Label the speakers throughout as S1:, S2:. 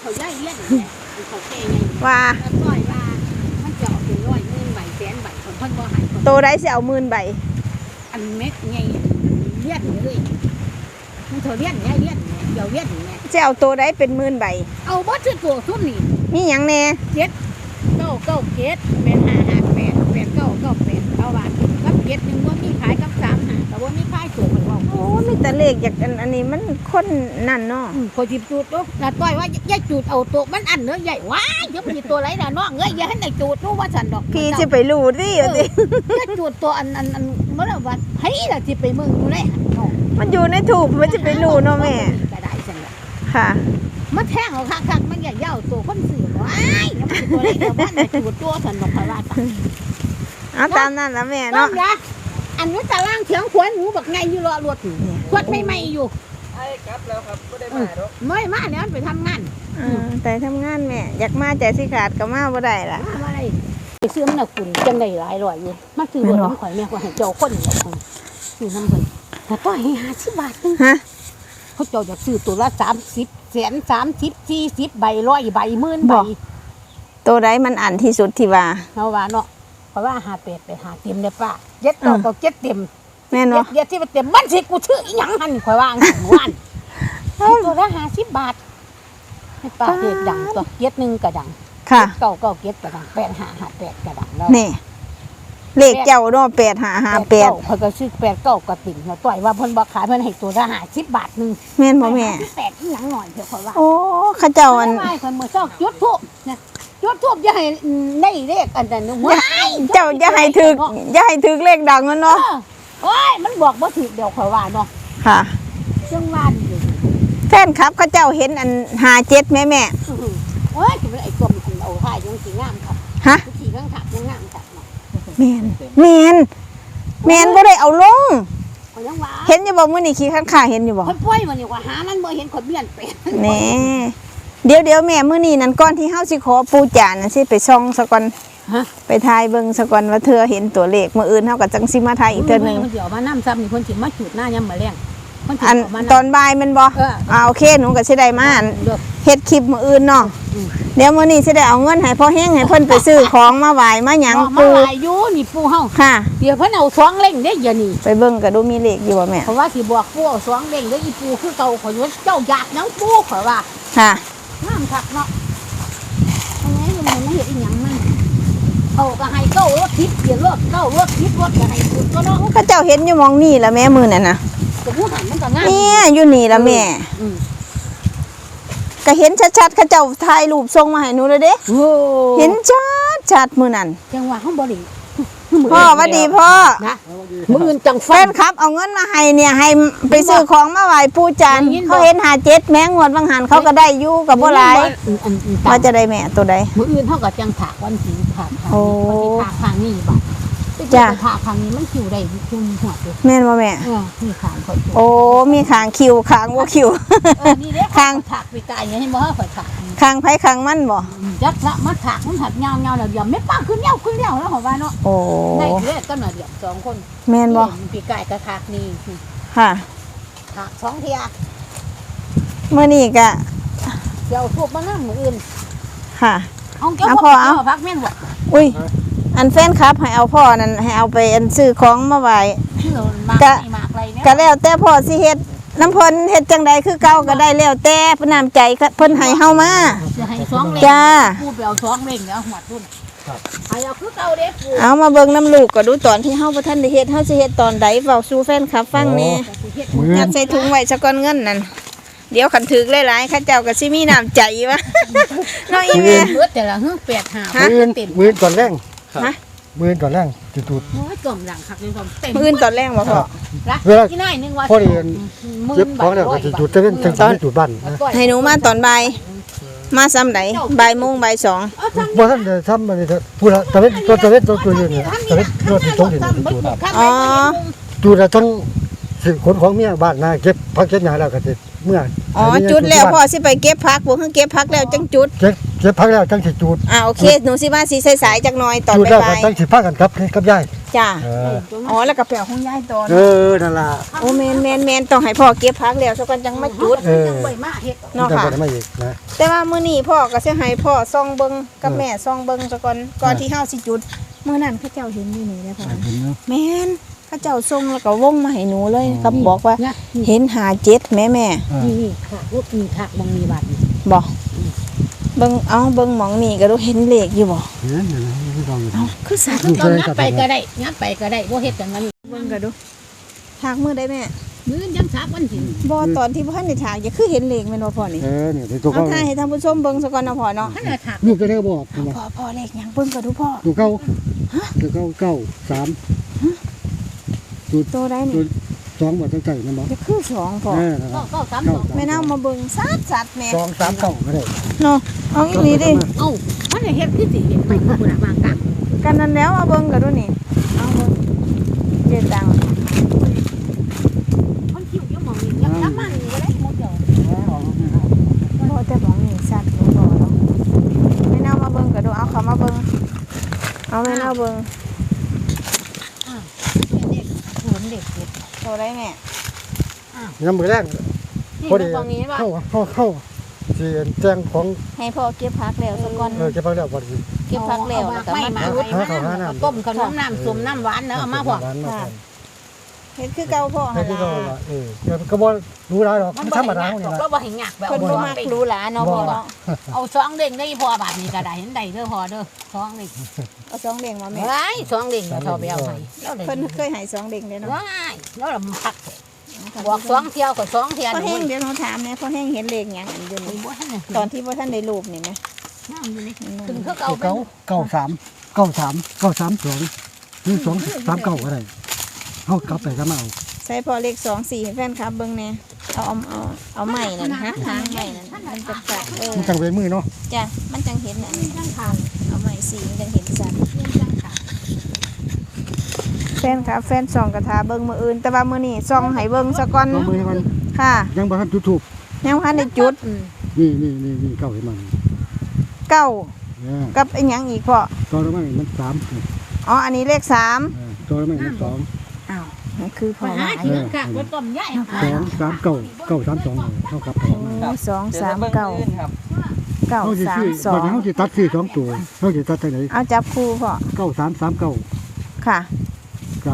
S1: เขาย่ายเลี้ยนเนี่ยเขาแก่ไง
S2: ว่า
S1: ร้อยว่ามันจะเอาเป็น100,000 ใบแสนใบคนเพิ่นบ่หายคน
S2: โตได้สิเอา10,000 ใบ
S1: อันเม็ดไงเลี้ยนเลยมันเท่าเลี้ยนเนี่ยเลี้ยนเนี่ยเดี๋ยวเลี้ยนเนี่ย
S2: สิเอาโตได้เป็น10,000 ใบ
S1: เอาบ่ซื้อตัวซุ่มนี่
S2: มีหยังแน่
S1: 997เป็น558 8998เอาว่ากับ7นึงบ่มีขายกับ35ก็บ่มีขายตัวเพิ่นว่า
S2: โอ้มีแต่เลขอยากอันนี้มันคนนั่นเนาะ
S1: พอจิบจูดลูกน่ะต้อยว่าอย่าจูดเอาตัวมันอันเนื้อใหญ่ว้ายเดี๋ยวมันมีตัวไหนน่ะน้องเอ้ยอย่าให้ได้จูดรู้ว่าฉันดอก
S2: พี่สิไปรู้ดิ
S1: เอ
S2: ว่า
S1: อ
S2: สิ
S1: อย่าจูดตัวอันเมื่อวันเฮ้ยล่ะสิไปมึงอยู่ได้หันน้อง
S2: มันอยู่ในถูกมันจะไปรู้เนาะแม่
S1: ก็ได้จังเลย
S2: ค่ะ
S1: มันแทงเอาคักๆมันอย่าเย่าตัวคนสื่อว้ายแล้วมันตัวไหนเดี๋ยวมันจูดตัวฉันดอกพระราช
S2: เอาตามนั้นละแม่
S1: น้อ
S2: เนาะ
S1: งยะอันนี้ตารางเถียงขวานหนูบักไงอยู่รอรถขวดไม่อยู่
S3: ไอ้กลับแล้วครับไม่ได้มาหรอก
S1: ไม่มาเนี่ยมันไปทำงาน
S2: แต่ทำงานแม่อยากมาใจสิขาดก็มาบ่ได้ล่ะ
S1: มาอะไรไปซื้อมันน่ะคุณจังได้หลายร้อยอยู่มาซื้อรถน้ำข่อยแม่ก็ให้เจ้าคนเดียวคนซื้อน้ำเพิ่นแต่ก็ให้50 บาทนึง
S2: ฮะ
S1: เขาเจ้าอยากซื้อตัวละ30 แสน30 40 ใบ100 ใบ10,000 ใบ
S2: โตได้มันอันที่สุดที่ว่า
S1: เอาว่าเนาะเพราะว่า58ไปหาเต็มได้ป้าเจ็ดต่อก็เจ็ดเต็ม
S2: แม่นบ่
S1: เจ็ดที่มันเต็มมันสิกูชื่ออีหยังหั่นข่อยว่าหั่นหมู่บ้านตัวละ50 บาทให้ป้าเฮ็ดดังตัวเจ็ดนึงก็ดัง
S2: ค่ะ
S1: เก้าเจ็ดก็ดัง8558ก็ดังแล้ว
S2: นี่เลขเจ้าเนาะ8558
S1: เขาก็ซื้อ89ก็ติ่งเนาะต่อยว่าเพิ่นบ่ขายเพิ่นให้ตัวละ50 บาทนึง
S2: แม่นบ่แม่
S1: 8อีหยังหน่อยเถอะข่อยว่า
S2: โอ้เขาเจ้าอัน
S1: ไม่คนมือเจ้าจุดทูบนะจุดทูบอย่าให้ได้เลขอันนั้นว้าย
S2: เจ้าอย่าให้ถึกเลขดังมัน
S1: เอ
S2: เนาะ
S1: อโอ้ยมันบอกว่าถูกเดี๋ยวข่อยว่าเนาะ
S2: ค่ะ
S1: จังว่าดี
S2: แฟนครับเขาเจ้าเห็นอัน57แม่แม่
S1: โอ้ยจะเป็นไอ้ตัวมันเอาท่ายังสีงามครับ
S2: ฮะ
S1: สีข้างถักยังงามครับเนาะ
S2: แม่นบ่ได้เอาลง
S1: ข่อยยังว่า
S2: เห็นอยู่บ่มื้อนี้ขี้ข้างขาเห็นอยู่บ่
S1: คนป่วยมันนี่ว่าหามันบ่เห็นคนเบี้ยนเป็น
S2: แหน่เดี๋ยวแม่มื้อนี้นั่นก่อนที่เฮาสิขอปู่จานน่ะสิไปส่องซะก่อน
S1: ฮะ
S2: ไปทายเบิ่งซะก่อนว่าเธอเห็นตัวเลขมื้ออื่นเฮาก็จังสิมาทายอีกเทื่อนึง
S1: มันสิเอามาน้ำซ้ำนี่คนสิมาจุดหน้ายามมื้อแลงคนสิ
S2: อัน
S1: เอามา
S2: ตอ
S1: น้ำ
S2: นบ่ายแม่นบ่ โอเคหนูก็สิได้มาอัน
S1: เด้อ
S2: เฮ็ดคลิปมื้ออื่นเนาะเดี๋ยวมื้อนี้สิได้เอาเงินให้พ่อแห้งให้เพิ่นไปซื้อของมาไหว้มาหยัง
S1: มา
S2: ปู่
S1: หลายอยู่นี่ปู่เฮา
S2: ค่ะ
S1: เดี๋ยวเพิ่นเอาสองเล่งได้อย่านี่
S2: ไปเบิ่งก็ดูมีเลขอยู่บ่แม่
S1: เพราะว่าสิบอกปู่เอาสองเล่งเด้ออีปู่คือเก่าข่อยว่าเจ้าอยากหยังปู่ข่อยว่า
S2: ค่ะ
S1: น้ำคักเนาะทำไมมันไม่เห็นอีหยังมันเอาก็ให้เก้ารถทิพย์เดี๋ยวรถเก้ารถทิพย์รถก็ให้สุดก็เนาะ
S2: เขาเจ้าเห็นอยู่หมองนี่ล่ะแม่มื้อนั่นน่ะ
S1: ก็ผู้หันมันก็งาม
S2: เนี่ยอยู่นี่ล่ะแม่
S1: อืม
S2: ก็เห็นชัดๆเขาเจ้าถ่ายรูปส่งมาให้หนูเลยเด้
S1: โอ้
S2: เห็นชัดมื้อนั้น
S1: จังหวะห้องบริ
S2: พ่อหวัดดีพ่อ
S1: นะมืออื่นจัง
S2: แฟ
S1: ฟัน
S2: นครับเอาเงินมาให้เนี่ยให้ไปซื้อของมาไหว้ปู่จันทร์
S1: ได้ยินบ่
S2: เขาเห็น57แม้งวดบางหันเขาก็ได้อยู่กับบ่หลายว่าจะได้แม่ตัวใด
S1: มืออื่นเท่ากับจังถากวันสีถากทาง
S2: โอ้
S1: นี้วันสีถากทางนี้บัด
S2: จ้ะ
S1: ถากทางนี้มันคิวได้คิวมีหัวอยู่
S2: แม่นบ่แม่
S1: นี่ขางคน
S2: โอ้มีขางคิวขางบ่คิว
S1: นี่เด้
S2: ข้าง
S1: ถากไปไกลเนี่ยให้บ่ข่อยถาก
S2: ขางไผขางมันบ่
S1: จักละมาถากมันถักเงาแล้วเดี๋ยวไม่ป้าขึ้นเงาแล้วเหรอว่าเนาะ
S2: โอ้
S1: ได้เด้ก็หน่อยเดียวสองคน
S2: แม่นบ่
S1: ปีไก่กระถากนี่
S2: ค่ะ
S1: ถากสองเทีย
S2: มื้อนี้ก็
S1: เดี๋ยวทุบมานั่งมืออื่น
S2: ค่ะ
S1: เอาเจ้า
S2: เอา
S1: พ
S2: พอ
S1: อ
S2: เอา
S1: เอาพักแม่นบ่
S2: อุ้ยอันแฟนครับให้เอาพ่อนั่นให้เอาไปอันซื้อของมาไหว้
S1: ที่เรามาก
S2: กะ
S1: ไม่มากอะไรเนี่ย
S2: ก็แล้วแต่พ่อสิเฮ็ดน้ำเพิ่นเฮ็ดจังใดคือเก่าก็ได้แล้วแต่เพิ่นน้ำใจเพิ่นให้เฮามา
S1: จะให้สองเล่ง
S2: จ้า
S1: ปูไปเอาสองเล่งแล้วหัวตุ้นให้เอาคือเก่าเด้ปู
S2: เอามาเบิ่งน้ำลูกก็ดูตอนที่เฮาบ่ทันได้เฮ็ดเฮาสิเฮ็ดตอนใดเว้าสู่แฟนคลับฟังแหน่
S1: แต่สิเฮ็ด
S3: มือ
S2: ยัดใส่ถุงไว้ซะก่อนเงินนั่นเดี๋ยวคันถึกหลายๆเขาเจ้าก็สิมีน้ำใจวะ เนาะอีแม่
S1: เบิดแต่ละเฮือ8 5
S2: ฮะ
S1: เต็ม
S3: มือก่อนแรง
S2: ฮะ
S3: มือก่อนแรงจุด
S1: โอ้ยกลมหลังคักเลยผมเต็ม
S2: มื้ออื่นตอนแรกบ่พ่อ
S1: รัก
S3: เวลา
S1: ที่น้อยนึงว่า
S3: พอดี
S1: มื่
S3: เจ็บ
S1: น
S3: ของแล้วก็จุดจะเป็นจังจุดบ้านนะ
S2: ให้หนูมาตอนบ่ายมาซ้ำใดบ่ายโมงบ่ายสอง
S3: บ่ท่านจะทำอะไรพูดละตะเวนตัวยืนเนี่ยตะเวนตัวที่ตรงอยู่จุด
S2: อ๋อ
S3: จุดละทั้งสิขนของเมียบ้านนะเก็บพักเก็บหญ้าแล้วก็สิเมื่อ
S2: อ๋อจุดแล้วพ่อสิไปเก็บผักบ่คือเก็บผักแล้วจังจุด
S3: เก็บพักแล้วจังสิจุด
S2: โอเคหนูสิมาสิสายๆจักหน่อยตอน
S3: จุดแล้วก็
S2: บ่าย
S3: จังสิพากันกับยาย
S2: ๆจ้า
S3: เออ
S2: อ๋อแล้วก็แปลของยายตอน
S3: เออนั่นล่ะ
S2: โอ้แม่นต้องให้พ่อเก็บผักแล้วซะก่อนจังมาจุด
S1: จังใบมาเฮ็ด
S2: เนาะ
S3: จัง
S2: ค่ะ
S3: บ่ได้มาอีกนะ
S2: แต่ว่ามื้อนี้พ่อก็สิให้พ่อส่องเบิ่งกับแม่ส่องเบิ่งซะก่อนที่เฮาสิจุดมื้อนั้นเขาเจ้าเห็นอยู่นี่แหละพ่อ
S3: เห็นเนาะ
S2: แม่นเขาเจ้าส่งแล้วก็วงมาให้หนูเลยเขาบอกว่าเห็น57แม่
S1: นี่ค่ะลูกมีค่ะบ่มีบาด
S2: บอกเบิ่งเบิ่งหมองนี่ก็ดูเห็นเลขอยู่บ่
S3: เห็นเห็นที่เราอยู่
S2: เอ้าคือสัตว์
S1: ตอนงัดไปก็ได้งัดไปก็ได้บ่เฮ็ดจังนั้น
S2: เบิ่งก็ดูถากมือได้แม่
S1: มื้อยังซักวันสิ
S2: บ่ตอนที่บ่ทันได้ถากอย่าคือเห็นเลขแม่นบ่พ่อนี่
S3: นี่ที่ตัว
S2: เอา
S3: เขา
S2: ถ่ายให้ท่านผู้ชมเบิ่งซะก่อนเนาะพ่อเนาะ
S1: ท่านน่ะถัก
S3: ลูกก็ได้บอกนะ
S2: พ่อเลขหยังเบิ่งก็ดูพ่อ
S3: ตัวเก้าตัวเก้าสาม
S2: โตได้
S3: ตั
S2: นี่
S3: วสองบาทตั้งใจนะบอก
S2: อย่าคือสองพ่อ
S1: ก็ซ้ำ
S2: แม่นำมาเบิ่งสัตว์แม่
S3: สองสามเก้าก็ได้
S2: เนาะเอาอีหลีดิ
S1: เอ้ามันเฮ็ดคือสิเห็นไปผู้น่ะวางกลาง
S2: กันนั้นแล้วเอาเบิ่งก็ดูนี่เอาเบิ่งเจ็ดตังค์
S1: คนคิวอยู่หม่องนี้ยังมันก็ได้หมดเด้อ
S2: บ่แต่ของนี่สัตว์บ่พ่อเนาะแม่นำมาเบิ่งก็ดูเอาเขามาเบิ่งเอาแม่นำเบิ่ง
S1: เด็กเหมือนเด็ก
S2: โตได้แม่
S3: ยังมือแรก
S1: นี่
S3: พอดี
S1: ตรงนี้ว่า
S3: เข้าที่แจ้งของ
S2: ให้พ่อเก็บผักแล้วซะก่อน
S3: เก็บไปแล้วพอดี
S2: เก็บผักแล้วแล้วก็มาจุด
S1: ต้มขนมน้ำส้มน้ำหวานเนาะเอามาพอ
S2: เฮ็ดคือเก่าพ่อ
S3: ให้
S2: หั่น
S3: ที่เรา
S2: ล่ะ
S3: ก็บ่รู้ได้หรอกมันธรรมดาเนี่ย
S1: ก็บ่ให้ยากแบบ
S2: เพิ่นบ่มักหรูหราเนาะพ่อเนาะ
S1: เอาสองเด้งได้พอบาทนี่ก็ได้เห็นได้เด้อพอเด้อสองนี่
S2: เอาสองเด้งมาแม่
S1: ว้ายสองเด้งก็ทอไปเอาให้แล้วได้
S2: เพิ่นเคยให้สองเด้งเด้เนาะ
S1: ว้ายแล้วเราพักบอกสองเที่ยวก็สองเที่ยว
S2: พ่อแห้
S1: นี่
S2: งเดี๋ยวหนูถามแม่พ่อแห้งเห็นเลขหยังอันอยู่นี่
S1: บ่ทัน
S2: ตอนที่บ่ทันได้รูปนี่แม่
S1: น้ำอยู่นี่ถึงเขาเก่า
S3: เก้าสามสองหรือ2 3 9ก็ได้เขากลับไปก็มาเอา
S2: ใช้พ่อเลข2 4ให้แฟนคลับเบิ่งแน่เอาใหม่นั่นฮะทางใหม่นั่นมันจะจัด
S3: มันจังเวมือเนาะ
S2: จ้ะมันจังเห็นอันนี้
S1: จังขาว
S2: เอาใหม่4มันจังเห็นชัด
S1: จังขาว
S2: แฟนคลับแฟนส่องกระทาเบิ่งมื้ออื่นแต่ว่ามื้อนี้ส่องให้เบิ่งซะก่อน
S3: เอามือให้มัน
S2: ค่ะ
S3: ยังบ่ทันจุดทูบ
S2: ยังบ่ทันได้จุด
S3: นี่เก้าให้มัน
S2: เก้า
S3: เนี่ย
S2: กับอีหยังอีกพ่อ
S3: ตัวละมันสาม
S2: อ๋ออันนี้เลข3
S3: ตัวละมันสอง
S2: อ้าวมันคือพ่อ
S1: มาหา
S2: หมาย
S1: กินค่ะบ่ต้มใหญ่
S3: 2 3 9 3 2เท่ากับ
S2: 2 3 9
S3: เขาสิซื้อบัดนี้เขาสิตัดซื้อ2ตัวเขาสิตัดทางไหน
S2: เอาจับคู่พ่อ
S3: 9339
S2: ค่ะ
S3: กับ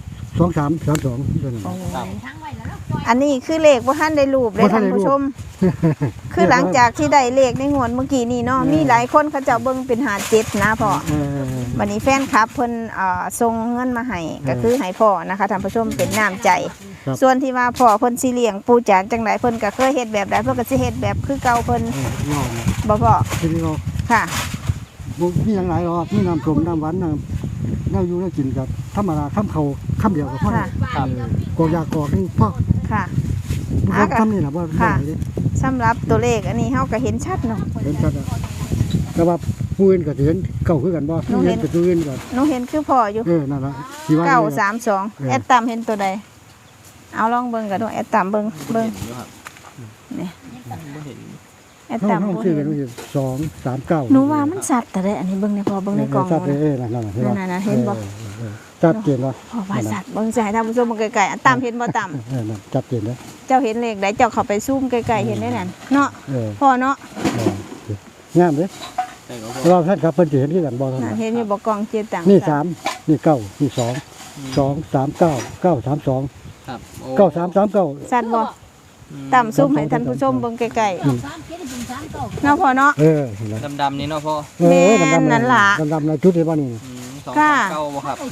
S3: 2332ตัวนั้น
S1: ทางไว้แล้วเนาะ
S2: อันนี้คือเลขว่าท่านได้รูปเลย
S3: บ่ทั
S2: ท่าน น
S3: ได้รูป
S2: ผู้ชม คือหลังจากที่ได้เลขในงวดเมื่อกี้นี่เนาะมีหลายคนเขาเจะเบิ่งเป็น57นะพ่อวันนี้แฟนคลับเพิ่นส่งเงินมาให้ก็คือให้พ่อนะคะท่านผู้ชมเป็นน้ำใจ ส่วนที่ว่าพ่อเพิ่นสิเลี้ยงปู่จานจังไดเพิ่นก็เคยเฮ็ดแบบใดเพิ่นก็สิเฮ็ดแบบคือเก่าเพิ่น
S3: เนาะ
S2: บ่พ่อ
S3: ทีนี้เรา
S2: ค่ะ
S3: บ่มีหยังหลายหรอกมีน้ำส้มน้ำหวานน้ำแนวอยู่แนวกินกับธรรมดาคำเดียวก็พอ
S2: ค่ะ
S3: ก็อยากกอกนี่พ่อ
S2: ค่ะ
S3: บ่คำนี่ล่ะบ่ได้เด้
S2: สำหรับตัวเลขอันนี้เฮาก็เห็นชัดเนาะ
S3: เห็นชัดอ่ะแต่ว่าผู้อื่นก็สิเห็นเก่าคือกันบ่ผู้เห็นกับผู้อื่นก็
S2: หนูเห็นคือพ่ออยู่
S3: นั่นล่ะสิว่า
S2: 932แอดตามเห็นตัวใดเอาลองเบิ่งกันดูแอดตามเบิ่งนี่แอด
S3: เขา
S2: ตาม
S3: เขา
S2: บ่
S3: ซื้อ
S2: เห็
S3: กัน
S2: น
S3: ว่า239
S2: หนูว่ามันสัตว์แต่ได้อันนี้เบิ่งในพอเบิ่งในกล่อง
S3: ชัด
S2: หนู
S3: เลย
S2: นะ
S3: นั่นเห็นบ่
S2: นั่นๆเห็นบ่
S3: ชัดเจนบ่
S2: พอว่าสัตว์เบิ่งใส่ท่านผู้ชมเบิ่งไกลๆอันตามเห็นบ่ตาม
S3: นั่นชัดเจนเด้อ
S2: เจ้าเห็นเลขใดเจ้าเข้าไปซูมไกลๆเห็นได้นั่นเนาะพ่อเนาะ
S3: งามเด้เราท่านครับเพิ่นสิเห็นคือกันบ่ท่าน
S2: น่ะเห็นอยู่บ่กล่องเจตัง
S3: นี่3นี่9นี่2 2 3 9 9 3 2
S4: ครับโอ้
S3: 9 3 3 9
S2: สัตว์บ่ตามซูมให้ท่านผู้ชมเบิ่งไกล
S1: 3 7 3 9
S2: ๆเนาะพ่อเนาะ
S4: ดำๆนี่เนาะพ่อ
S2: นั่นล่ะ
S3: ดำๆนะจุดที่ว่านี่
S4: สอง
S2: ค่ะ
S4: สามเก้าบ่ครับ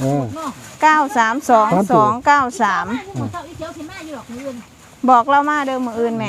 S2: 9322993 บอกเรามาเด้อมื้ออื่นแม่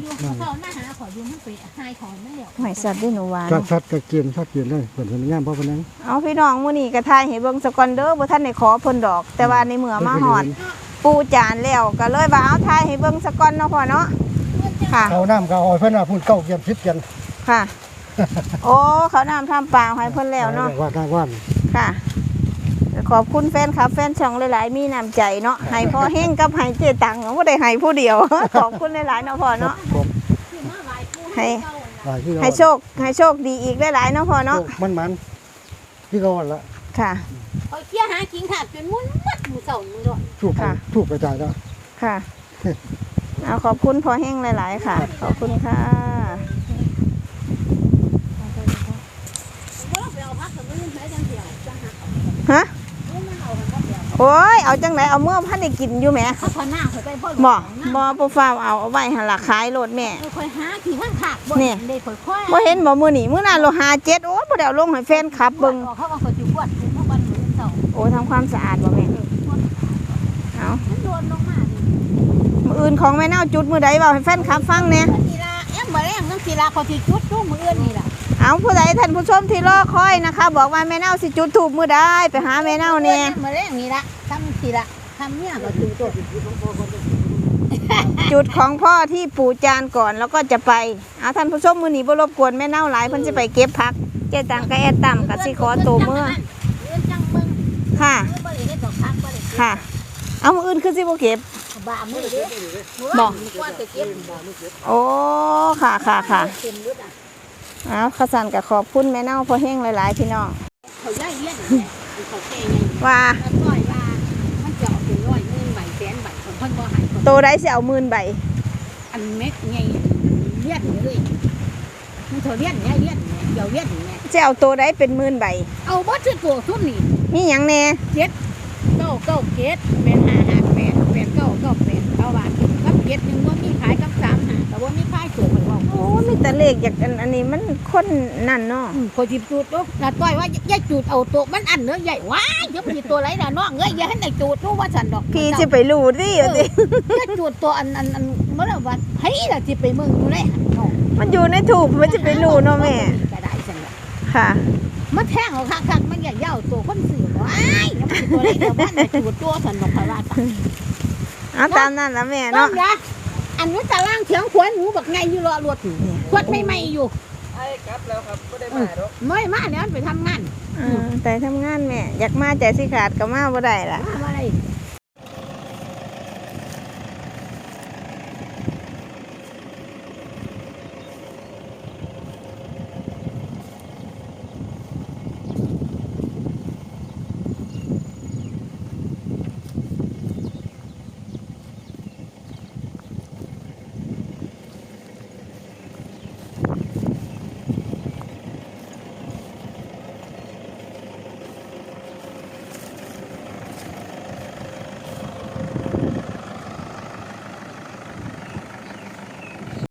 S2: หอยสัตว์ด้วยหนูว่า
S3: ชัดๆก็เกียนชัดเกียนเลยเพิ่นเพิ่นงามเพราะเพิ่นนั้น
S2: เอาพี่น้องมื้อนี้ก็ทายให้เบิ่งสกอนเด้อบ่ทันได้ขอเพิ่นดอก แต่ว่าในเมื่อมาฮอดปูจานแล้วก็เลยว่าเอาทายให้เบิ่งสกอนเนาะพ่อเนาะค่ะ
S3: เอาน้ำก็เอาเพิ่นน่ะพูดเก้าเกียน10เกียน
S2: ค่ะ โอ้เขาน้ำทำปลาให้เพิ่นแล้วเนาะ
S3: ว่า
S2: ค่ะขอบคุณแฟนครับแฟนช่องหลายๆมีน้ำใจเนาะให้พ่อเฮงกับให้เจ๊ตังบ่ได้ให้ผู้เดียว ขอบคุณหลายๆเนาะพ่อเนาะ
S3: ผม
S2: ให้
S3: หลายที่เรา
S2: ให้โชคดีอีกหลายๆเนาะพ่อเนาะ
S3: มันที่เขาละ
S2: ค่ะ
S1: เอาเกี้ยหากินขาดจนมุนมัดหมูเสาหมูดอน
S3: ถูกไปจ่ายแล้ว
S2: ค่ะเอาขอบคุณพอแห้งหลายๆค่ะ ขอบคุณค่ะ
S1: ว่าไปเอาพักกับมือใช้จังเดียวจังหัก
S2: ฮะ
S1: มือมันเอากันเดียว
S2: โอ้ยเอาจังไหนเอาเมื่อพันได้กินอยู่แหม
S1: เขาพอหน้าเขาไปพ่อ
S2: บ่ปูฟ้าวเอาไว้หันหลักขายโลดแม่
S1: ค่อยหาขี่ข้างขาดบ่ได้ค่อย
S2: บ่เห็นบ่มื้อนี้มื้อหน้าโลหา7โอ้บ่ได้เอาลงให้แฟนคลับเบิ่ง
S1: เขาว่าเขาจุกวดถึงวันหมูเสา
S2: โอ้ทำความสะอาดบ่แม่เอา
S1: มันโดนลงมา
S2: มื้ออื่นของแม่เน่าจุดมื้อใดเว้าให้แฟนคลับฟังแหน่
S1: ทีละแอมบ่แรงนั่งทีละเขาสิจุดตู้มืออื่นนี่ล่ะ
S2: เอาผู้ใดท่านผู้ชมที่รอคอยนะคะ บอกว่าแม่เน่าสิจุดธูปมื้อใดไปหาแม่เน่าแหน่
S1: บ่แรงนี่ล่ะทำทีละทำเนี่ยก็จุดตัว
S2: จุดของพ่อที่ปู่จานก่อนแล้วก็จะไปเอาท่านผู้ชมมื้อนี้บ่รบกวนแม่เน่าหลายเพิ่นสิไปเก็บผักเจ๊ตังก็แอดต่ำก็สิขอตัวเมื่อ
S1: เอื้อนจังมึง
S2: ค่ะ
S1: บ่ได้ดอกพักบ่ได้
S2: ค่ะ เอามื้ออื่นคือสิบ่เก็บ
S1: บ้ามือเด้
S2: บ่
S1: ว่าจะเก็บบ่
S2: โอ้ค่ะค่ะค่ะ
S1: เต็มรถอ่ะ
S2: เอาขสันก็ขอบคุณแม่เน่าพ่อแห้งหลายๆพี่น้อง
S1: เขาย่ายเลี้ยนเขาแก่ไง
S2: ว่า
S1: แล้วปล่อยว่ามันจะเอาเป็น100,000ใบแสนใบของเพิ่นบ่ให้
S2: โตได้สิเอา10,000ใบ
S1: อันเม็ดไงเลี้ยนเลยมันเขาเลี้ยนเนี่ยเลี้ยนเนี่ยเดี๋ยวเลี้ยนเนี่ย
S2: จะเอาโตได้เป็น10,000ใบ
S1: เอาบ่ซื้อตัวทุ่มนี่
S2: มีหยังแน่
S1: 997เป็น558 8998เอาบาทกับ7นึงบ่มีขายกับ35แต่ว่ามีขายตัวเพิ่นว่า
S2: โอ้มีแต่เลขอยากอันนี้มันคนนั่นเนาะ
S1: คนจิบจูดลูกน่ะต้อยว่าอย่าจูดเอาตัวมันอันเนื้อใหญ่ว้ายเดี๋ยวมันสิตัวไรน่ะน้องเอ้ยอย่าให้ได้จูดรู้ว่าฉันดอก
S2: พี่จะไปรู้ดิ
S1: เอ
S2: เอา
S1: อ
S2: ดิ
S1: อย่าจูดตัวอันเมื่อว่าเฮ้ยล่ะสิไปเมืองอยู่เลยน้อง
S2: มันอยู่ในถูกมันจะไปรู้เนาะแม่
S1: ก็ได้ฉันล่ะ
S2: ค่ะ
S1: มันแทงเอาคักๆมันอย่าเย่าตัวคนสื่อว้ายเดี๋ยวมันสิตัวไรเดี๋ยวมันได้จูดตัวฉันดอกพะว่าตา
S2: เอาตามนั้นละแม่
S1: น้อ
S2: เนาะ
S1: งนะอันนู้นตารางเถียงขวนหนูบักไงอยู่รอรวดขวดไม่อยู่
S4: ไอ้ครับแล้วครับไม่ได้มาหรอก
S1: ไม่มาเดี๋ยวมันไปทำงาน
S2: แต่ทำงานแม่อยากมาใจสิขาดก็มาบ่ได้ล่ะ
S1: มาอะไร